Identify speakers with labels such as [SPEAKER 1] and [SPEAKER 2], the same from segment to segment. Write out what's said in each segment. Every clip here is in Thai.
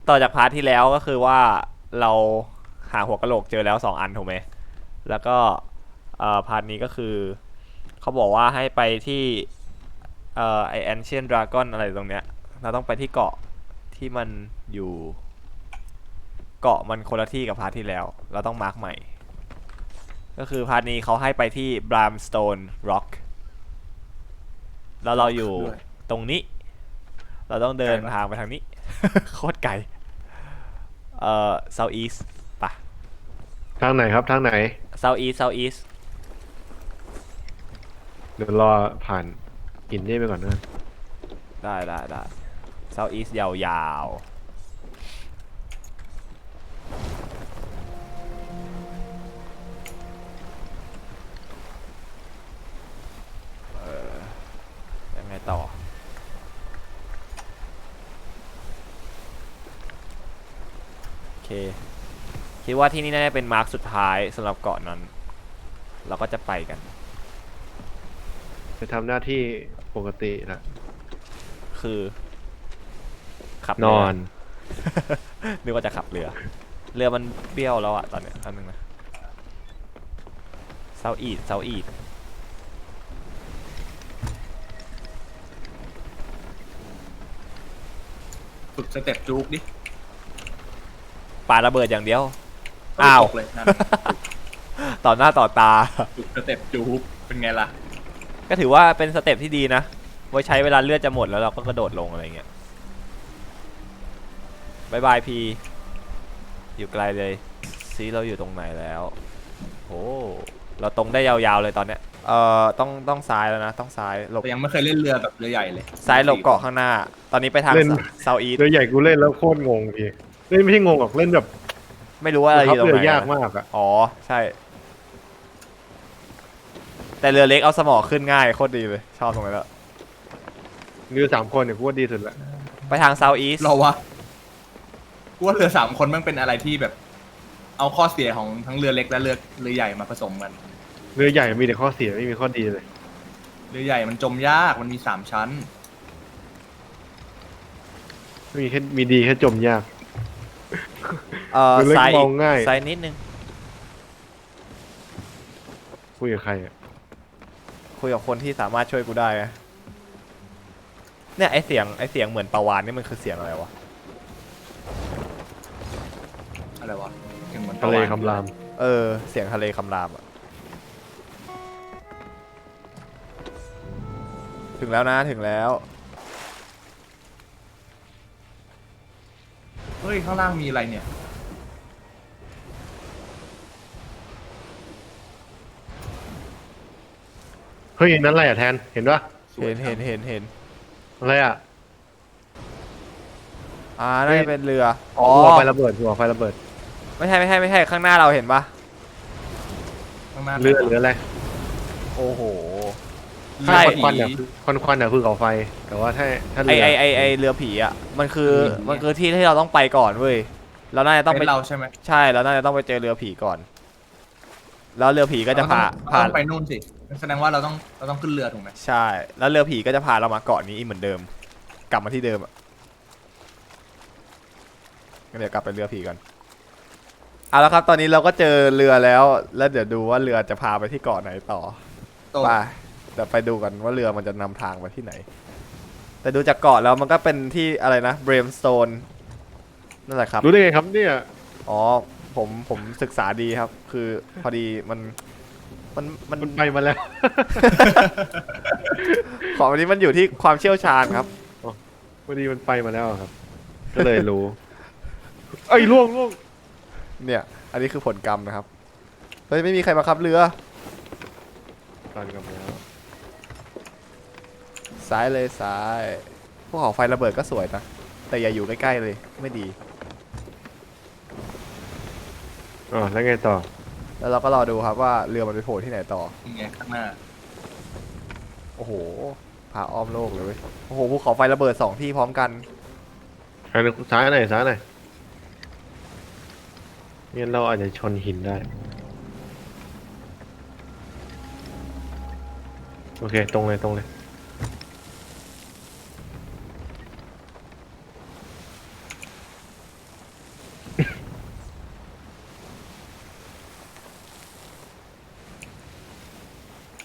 [SPEAKER 1] ต่อจากพาร์ทที่แล้วก็คือว่าเราหาหัวกะโหลกเจอแล้ว2 อันถูกไหมแล้วก็พาร์ทนี้ก็คือเขาบอกว่าให้ไปที่ไอแอนเชียนดราก้อนอะไรตรงเนี้ยเราต้องไปที่เกาะที่มันอยู่เกาะมันคนละที่กับพาร์ทที่แล้วเราต้องมาร์กใหม่ก็คือพาร์ทนี้เขาให้ไปที่ Brimstone Rock แล้วเราอยู่
[SPEAKER 2] ด้วย
[SPEAKER 1] ตรงนี้เราต้องเดิน
[SPEAKER 2] ไกลปะ
[SPEAKER 1] ทางไปทางนี้ โคตรไกลSouth East ปะ
[SPEAKER 3] ทางไหนครับทางไหน
[SPEAKER 1] South East South East
[SPEAKER 3] เดี๋ยวรอผ่านหินนี่ไปก่อนนะ
[SPEAKER 1] ได้ South East ยาวๆยังไงต่อโอเคคิดว่าที่นี่น่าจะเป็นมาร์คสุดท้ายสำหรับเกาะนั้นเราก็จะไปกัน
[SPEAKER 3] จะทำหน้าที่ปกตินะ
[SPEAKER 1] คือขับ
[SPEAKER 3] น
[SPEAKER 1] เรือ
[SPEAKER 3] อน
[SPEAKER 1] นึกว่าจะขับเรือมันเบี้ยวแล้วอะตอนเนี้ยอันนึงนะ South East South East
[SPEAKER 2] ฝึกสเต็ปจู๊กดิ
[SPEAKER 1] ปาระเบิดอย่างเดียว
[SPEAKER 2] ไม่
[SPEAKER 1] อ้าว
[SPEAKER 2] ตกเลยนั่น
[SPEAKER 1] ต่อหน้าต่อตา
[SPEAKER 2] ฝึกสเต็ปจู๊กเป็นไงล่ะ
[SPEAKER 1] ก็ถือว่าเป็นสเต็ปที่ดีนะ ไว้ใช้เวลาเลือดจะหมดแล้วเราก็กระโดดลงอะไรเงี้ยบายบายพีอยู่ไกลเลยซีเราอยู่ตรงไหนแล้วโอ้เราตรงได้ยาวๆเลยตอนเนี้ยต้องซ้ายแล้วนะต้องซ้ายหลบ
[SPEAKER 2] แต่ยังไม่เคยเล่นเรือแบบเรือใหญ่เลย
[SPEAKER 1] ซ้ายหลบเกาะข้างหน้า ตอนนี้ไปทาง
[SPEAKER 3] เล่น
[SPEAKER 1] เซาท์อีส
[SPEAKER 3] เรือใหญ่กูเล่นแล้วโคตรงงพี่เล่นไม่ใช่งงหรอกเล่นแบบ
[SPEAKER 1] ไม่รู้ว่าอะไรอ
[SPEAKER 3] ขับ
[SPEAKER 1] ยู่ตรง
[SPEAKER 3] เรือ
[SPEAKER 1] ไหน
[SPEAKER 3] ยาก
[SPEAKER 1] นะ
[SPEAKER 3] มากอ่ะ
[SPEAKER 1] อ๋อใช่ แต่เรือเล็กเอาสมอขึ้นง่ายโคตรดีเลยชอบตรงนี้นแหละ
[SPEAKER 3] เรือ3 คนเนี่ยกูว่าดีสุดละ
[SPEAKER 1] ไปทางเซาท์อีส
[SPEAKER 2] เราวะกูว่าเรือ3 คนมันเป็นอะไรที่แบบ เอาข้อเสียของทั้งเรือเล็กและเรือใหญ่มาผสมกัน
[SPEAKER 3] เรือใหญ่มีแต่ข้อเสียไม่มีข้อดีเลย
[SPEAKER 2] เรือใหญ่มันจมยากมันมี3 ชั้น
[SPEAKER 3] มีแค่มีดีแค่จมยาก เรือเล็ก
[SPEAKER 1] ซ้าย
[SPEAKER 3] ม
[SPEAKER 1] อี
[SPEAKER 3] อก งง่าย
[SPEAKER 1] ซ้ายนิดนึง
[SPEAKER 3] คุยกับใครอ่ะ
[SPEAKER 1] คุยกับคนที่สามารถช่วยกูได้นะเนี่ยไอเสียงเหมือนปลาวานนี่มันคือเสียงอะไรวะ
[SPEAKER 2] อะไรวะยังเหมือน
[SPEAKER 3] ทะเล
[SPEAKER 2] ปวาฬ
[SPEAKER 3] คำราม
[SPEAKER 1] เสียงทะเลคำรามอะถึงแล้วนะถึงแล้ว
[SPEAKER 2] เฮ้ยข้างล่างมีอะไรเนี่ย
[SPEAKER 3] เฮ้ยนั่นอะไรอ่ะแทนเห็นปะ
[SPEAKER 2] สวย
[SPEAKER 1] เห็น
[SPEAKER 2] จัง
[SPEAKER 1] เห็น
[SPEAKER 3] อะไรอ่ะ
[SPEAKER 1] น่าจะเป็นเรืออ๋อ
[SPEAKER 3] หัวไฟระเบิดหัวไฟระเบิด
[SPEAKER 1] ไม่ใช่ข้างหน้าเราเห็นปะ
[SPEAKER 2] ข้างหน้า
[SPEAKER 3] เรือหรืออะไร
[SPEAKER 1] โอ้โห
[SPEAKER 2] เรือ
[SPEAKER 1] ใช่
[SPEAKER 2] ผี
[SPEAKER 3] ควันๆอ่ะควันๆอ่ะคือเขาไฟ แต่ว่าถ้าเรือ
[SPEAKER 1] ไอเรือผีอ่ะมันคือ
[SPEAKER 2] เรือผี
[SPEAKER 1] มันคือที่ที่เราต้องไปก่อนเว้ยเราน่าจะต้อง
[SPEAKER 2] เป็
[SPEAKER 1] ไป
[SPEAKER 2] นเราใช่ไหม
[SPEAKER 1] ใช่เราน่าจะต้องไปเจอเรือผีก่อน แล้วเรือผีก็จะพา
[SPEAKER 2] เราต้องไปนู่นสิแสดงว่าเราต้องขึ้นเรือถูกไหม
[SPEAKER 1] ใช่ แล้วเรือผีก็จะพาเรามาเกาะนี้อีกเหมือนเดิม กลับมาที่เดิมอ่ะงั้นเดี๋ยวกลับไปเรือผีก่อนเอาละครับตอนนี้เราก็เจอเรือแล้วเดี๋ยวดูว่าเรือจะพาไปที่เกาะไหนต่อ
[SPEAKER 2] โต
[SPEAKER 1] ไปเดี๋ยวไปดูกันว่าเรือมันจะนำทางไปที่ไหน แต่ดูจากเกาะแล้วมันก็เป็นที่อะไรนะเบรมสโตนนั่นแหละครับ
[SPEAKER 3] รู้ได้ไงครับเนี่ย
[SPEAKER 1] อ๋อผมศึกษาดีครับ คือพอดีมัน
[SPEAKER 3] มันไปมาแล้ว
[SPEAKER 1] ของอันนี้มันอยู่ที่ความเชี่ยวชาญครับ
[SPEAKER 3] พอดีมันไปมาแล้วอะครับ ก็เลยรู้ เอ้ยล่วง
[SPEAKER 1] เนี่ย อันนี้คือผลกรรมนะครับเฮ้ยไม่มีใครมาขับเรือ
[SPEAKER 3] ตันกลับมาแล้ว
[SPEAKER 1] ซ้ายเลยซ้ายภูเขาไฟระเบิดก็สวยนะแต่อย่าอยู่ใกล้ๆเลยไม่ดี
[SPEAKER 3] อ๋อแล้วไงต่อ
[SPEAKER 1] แล้วเราก็รอดูครับว่าเรือมันไปโผล่ที่ไหนต่อ
[SPEAKER 2] ยังไงข้างหน้า
[SPEAKER 1] โอ้โหพาอ้อมโลกเลยเว้ยโอ้โหภูเขาไฟระเบิด2 ที่พร้อมกัน
[SPEAKER 3] ซ้ายหน่อยซ้ายหน่อยงั้นเราอาจจะชนหินได้ โอเค ตรงเลย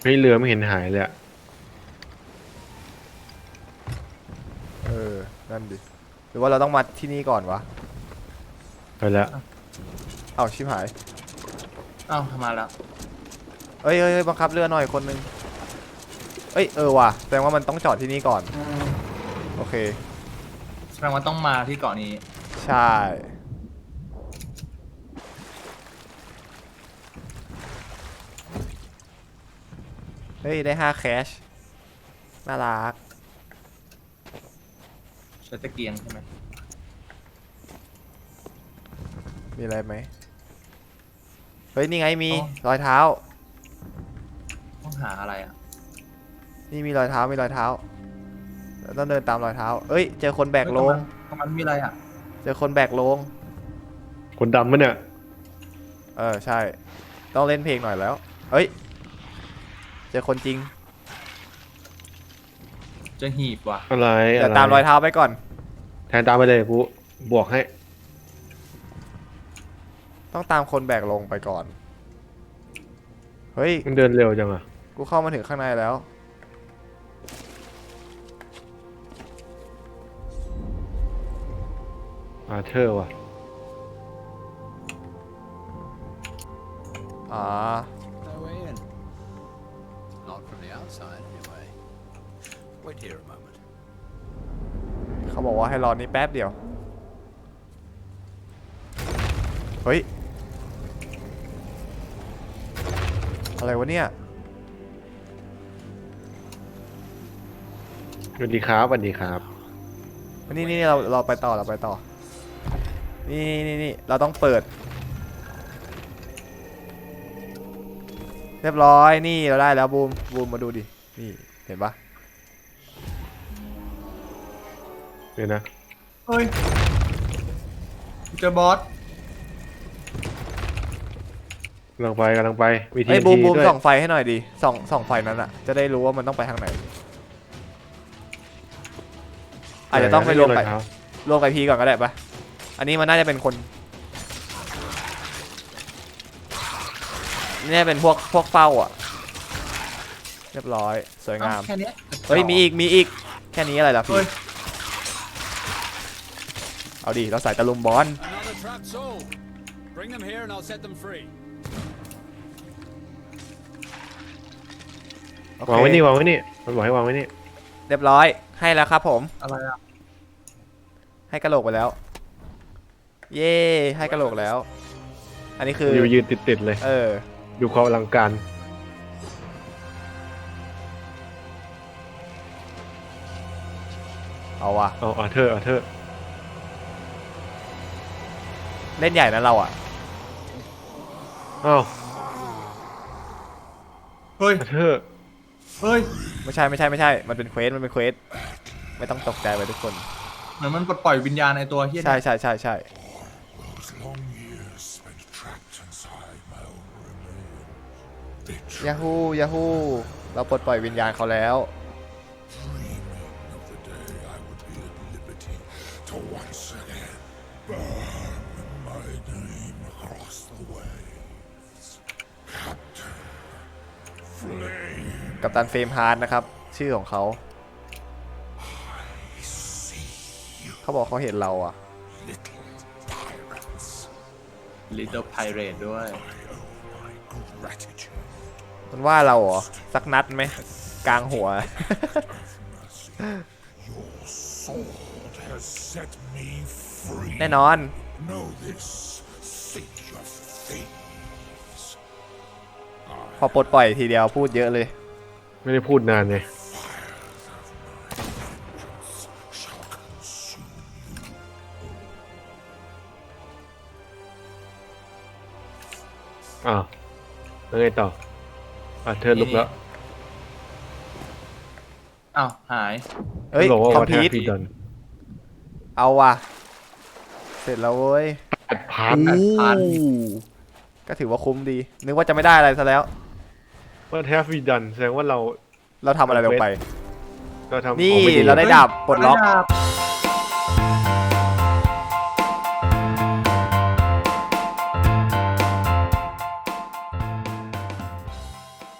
[SPEAKER 3] ฮ้ยเรือไม่เห็นหายเลยอะ
[SPEAKER 1] นั่นดิหรือว่าเราต้องมาที่นี่ก่อนวะ
[SPEAKER 3] ไปแล้ว
[SPEAKER 1] เอ้าชิบหาย
[SPEAKER 2] อ้าวมาแล้ว
[SPEAKER 1] เอ้ยบังคับเรือหน่อยคนนึงเอ้ยว่ะแสดงว่ามันต้องจอดที่นี่ก่อนโอเค
[SPEAKER 2] แสดงว่าต้องมาที่เกาะนี้
[SPEAKER 1] ใช่เฮ้ยได้5แคชน่ารัก
[SPEAKER 2] ใช้ตะเกียงใช่ไหม
[SPEAKER 1] มีอะไรไหมเฮ้ยนี่ไงมีรอยเท้า
[SPEAKER 2] ต้องหาอะไรอ่ะ
[SPEAKER 1] นี่มีรอยเท้าเราต้องเดินตามรอยเท้าเอ้ยเจอคนแบกโลง
[SPEAKER 2] ตรงนั้นมีอะไรอ่ะ
[SPEAKER 1] เจอคนแบกโลง
[SPEAKER 3] คนดำมั้ยเนี่ย
[SPEAKER 1] ใช่ต้องเล่นเพลงหน่อยแล้วเอ้ยเจอคนจริง
[SPEAKER 2] เจะหีบว่ะ
[SPEAKER 3] อะไร
[SPEAKER 1] เดี๋ยว
[SPEAKER 3] อะไร
[SPEAKER 1] ตามรอยเท้าไปก่อน
[SPEAKER 3] แทนตามไปเลยกูบวกให้
[SPEAKER 1] ต้องตามคนแบกลงไปก่อนเฮ้ย
[SPEAKER 3] มันเดินเร็วจังอะ
[SPEAKER 1] กูเข้ามาถึงข้างในแล้ว
[SPEAKER 3] อาเธอร์ว่ะ
[SPEAKER 1] อ๋อ
[SPEAKER 4] No way in. Not from the outside, anyway. Wait here a moment.
[SPEAKER 1] เขาบอกว่าให้รอนี่แป๊บเดียวเฮ้ยอะไรวะเนี่ย
[SPEAKER 3] สวัสดีครับสวัสดีครับ
[SPEAKER 1] นี่เราไปต่อนี่เราต้องเปิดเรียบร้อยนี่เราได้แล้วบูมมาดูดินี่เห็นปะ
[SPEAKER 3] เดี๋ยวนะ
[SPEAKER 2] เฮ้ยเจอบอส
[SPEAKER 3] กำลังไปมีที
[SPEAKER 1] ไอ้ยบูม
[SPEAKER 3] ด้วย
[SPEAKER 1] ส่องไฟให้หน่อยดิส่องไฟนั้นอะจะได้รู้ว่ามันต้องไปทางไหนอาจจะต้องไปรวม
[SPEAKER 3] ไหน
[SPEAKER 1] ไป
[SPEAKER 3] นะ
[SPEAKER 1] รวมกับพีก่อนก็ได้ปะอันนี้มันน่าจะเป็นคนนี่เป็นพวกเฝ้าอ่ะเรียบร้อยสวยงาม
[SPEAKER 2] แค่เนี้ย
[SPEAKER 1] เฮ้ยมีอีกแค่นี้อะไรล่ะพี่
[SPEAKER 2] เฮ้ย
[SPEAKER 1] เอาดิเราใส่ตะลุมบอล
[SPEAKER 4] Another trapped soul. Bring them here and I'll set them free.
[SPEAKER 1] โอเค
[SPEAKER 3] วางไว้นี่มันบอกให้วางไว้นี่
[SPEAKER 1] เรียบร้อยให้แล้วครับผม
[SPEAKER 2] อะไรอ่ะ
[SPEAKER 1] ให้กระโหลกไปแล้ว เย่ให้กระโหลกแล้ว อันนี้คือ
[SPEAKER 3] ยืนติดเลย ดูความอลังการ
[SPEAKER 1] เอาว่ะ
[SPEAKER 3] เอาอาเธอร์
[SPEAKER 1] เล่นใหญ่นะเราอ่ะ
[SPEAKER 3] อ้าว
[SPEAKER 2] เฮ้ย
[SPEAKER 3] อาเธอร์
[SPEAKER 2] เฮ้ย
[SPEAKER 1] ไม่ใช่มันเป็นเควสไม่ต้องตกใจไปทุกคน
[SPEAKER 2] เหมือนมันปลดปล่อยวิญญาณในตัวเฮีย
[SPEAKER 1] ใช่
[SPEAKER 5] Those long years spent trapped inside my own remains,
[SPEAKER 1] ยาฮูเราปลดปล่อยวิญญาณเขาแล้ว
[SPEAKER 5] dreaming of the day I would be at liberty to once again burn my name across the waves. Captain Flame,
[SPEAKER 1] กัปตันเฟรมฮาร์ดนะครับ ชื่อของเขาเขาบอกเขาเห็นเราอ่ะ
[SPEAKER 5] little pirates,
[SPEAKER 2] Little Pirate ด้วย
[SPEAKER 5] I owe my gratitude.
[SPEAKER 1] มันว่าเราเหรอ สักนัดไหมกลางหัว
[SPEAKER 5] Your sword has set me free.
[SPEAKER 1] แน่นอน
[SPEAKER 5] Know this, city of thieves.
[SPEAKER 1] พอปลดปล่อยทีเดียวพูดเยอะเลย
[SPEAKER 3] ไม่ได้พูดนานไง
[SPEAKER 5] Shall consume you.
[SPEAKER 3] อ้าวแล้วไงต่ออาเธอร์ลุกแล้ว
[SPEAKER 2] อ้าวหาย
[SPEAKER 1] เอ้ย
[SPEAKER 3] บอกว่า
[SPEAKER 1] คอม
[SPEAKER 3] วั
[SPEAKER 1] พี
[SPEAKER 3] ฒน
[SPEAKER 1] ท
[SPEAKER 3] ธรรม
[SPEAKER 1] เอาว่ะ เสร็จแล้วเว้ย
[SPEAKER 3] พาร์ท
[SPEAKER 2] พัน
[SPEAKER 1] ก็ถือว่าคุ้มดี นึกว่าจะไม่ได้อะไรซะแล้ว
[SPEAKER 3] ว่าแทฟวีดันแสดงว่าเรา
[SPEAKER 1] เราทำอะไรลงไป
[SPEAKER 3] เราทำ
[SPEAKER 1] นี่
[SPEAKER 3] ของไม่ดี
[SPEAKER 1] เราได้ดาบปลดล็อก
[SPEAKER 2] ได้ดาบ